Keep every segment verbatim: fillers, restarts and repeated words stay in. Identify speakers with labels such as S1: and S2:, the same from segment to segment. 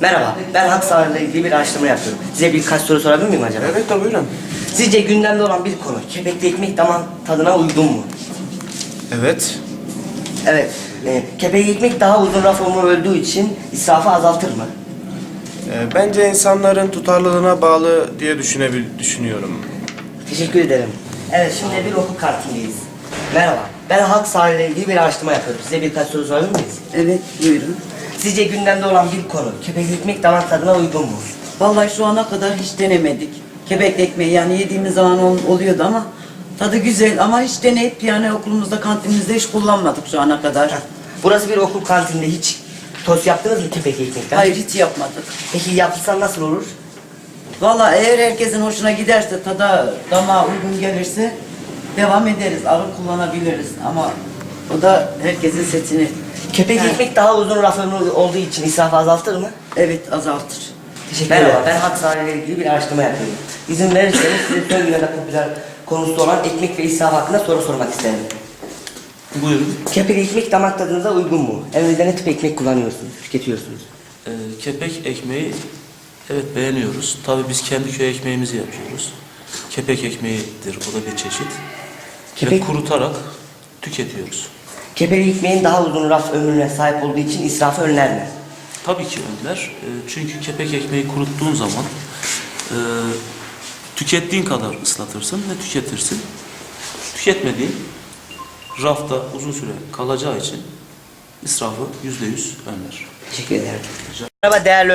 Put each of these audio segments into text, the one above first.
S1: Merhaba, ben hak sahanıyla ilgili bir araştırma yapıyorum. Size birkaç soru sorabilir miyim acaba?
S2: Evet de buyurun.
S1: Sizce gündemde olan bir konu, kepekli ekmek damak tadına uygun mu?
S2: Evet.
S1: Evet, e, kepekli ekmek daha uzun raf ömrü öldüğü için israfı azaltır mı?
S2: Ee, bence insanların tutarlılığına bağlı diye düşünebil düşünüyorum.
S1: Teşekkür ederim. Evet, şimdi bir okul kantindeyiz. Merhaba, ben halk sahanıyla ilgili bir araştırma yapıyorum. Size birkaç soru sorabilir miyiz?
S3: Evet, buyurun.
S1: Sizce gündemde olan bir konu, kepekli ekmek damak tadına uygun mu?
S3: Vallahi şu ana kadar hiç denemedik. Kebek ekmeği yani yediğimiz zaman ol- oluyordu ama tadı güzel ama hiç deneyip yani okulumuzda kantinimizde hiç kullanmadık şu ana kadar.
S1: Burası bir okul kantininde, hiç tost yaptınız mı kepekli ekmekten?
S3: Hayır, hiç yapmadık.
S1: Peki yapılsa nasıl olur?
S3: Vallahi eğer herkesin hoşuna giderse, tada damağa uygun gelirse devam ederiz, alır kullanabiliriz ama o da herkesin seçeneği.
S1: Kepek
S3: Yani-
S1: ekmek daha uzun raf ömrü olduğu için israfı azaltır mı?
S3: Evet, azaltır.
S1: Teşekkür ederim. Merhaba, ben hak sahanıyla ilgili bir araştırma yapıyorum. İzin verirseniz size son günlerde popüler konusu olan ekmek ve israf hakkında soru sormak isterim.
S4: Buyurun.
S1: Kepek ekmek damak tadınıza uygun mu? Evinizde ne tip ekmek kullanıyorsunuz, tüketiyorsunuz?
S4: Ee, kepek ekmeği evet beğeniyoruz. Tabii biz kendi köy ekmeğimizi yapıyoruz. Kepek ekmeğidir, o da bir çeşit.
S1: Kepek-
S4: Ve kurutarak tüketiyoruz.
S1: Kepek ekmeğin daha uzun raf ömrüne sahip olduğu için israfı önler mi?
S4: Tabii ki önler. Ee, çünkü kepek ekmeği kuruttuğun zaman e, tükettiğin kadar ıslatırsın ve tüketirsin. Tüketmediğin rafta uzun süre kalacağı için israfı yüzde yüz önler.
S1: Teşekkür ederim. Merhaba değerli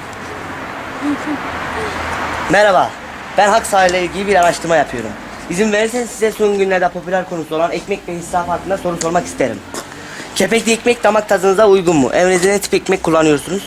S1: Merhaba, ben hak sahanıyla ilgili bir araştırma yapıyorum. İzin verirseniz size son günlerde popüler konusu olan ekmek ve israf hakkında soru sormak isterim. Kepekli ekmek damak tadınıza uygun mu? Evinizde ne tip ekmek kullanıyorsunuz?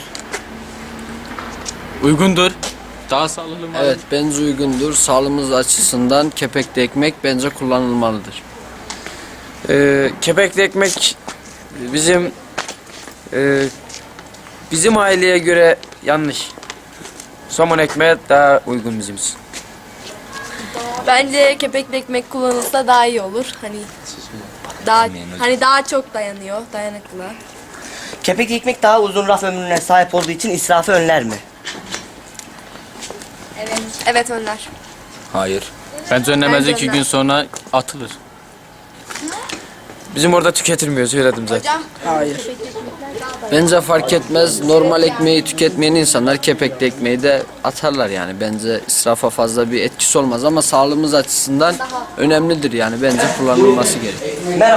S5: Uygundur. Daha sağlıklı mı?
S6: Evet, bence uygundur. Sağlığımız açısından kepekli ekmek bence kullanılmalıdır.
S5: Ee, kepekli ekmek bizim e, bizim aileye göre yanlış. Somon ekmeğe daha uygun bizim için.
S7: Bence kepekli ekmek kullanılsa daha iyi olur. Hani daha hani daha çok dayanıyor, dayanıklı.
S1: Kepekli ekmek daha uzun raf ömrüne sahip olduğu için israfı önler mi?
S7: Evet. Evet önler.
S5: Hayır. Bence önlemez,
S7: Bence
S5: iki
S7: önler.
S5: gün sonra atılır. Bizim orada tüketilmiyor, söyledim zaten.
S7: Hocam.
S3: Hayır.
S6: Bence fark etmez. Normal ekmeği tüketmeyen insanlar kepekli ekmeği de atarlar yani. Bence israfa fazla bir etkisi olmaz ama sağlığımız açısından önemlidir yani. Bence kullanılması gerekiyor.
S1: Merhaba.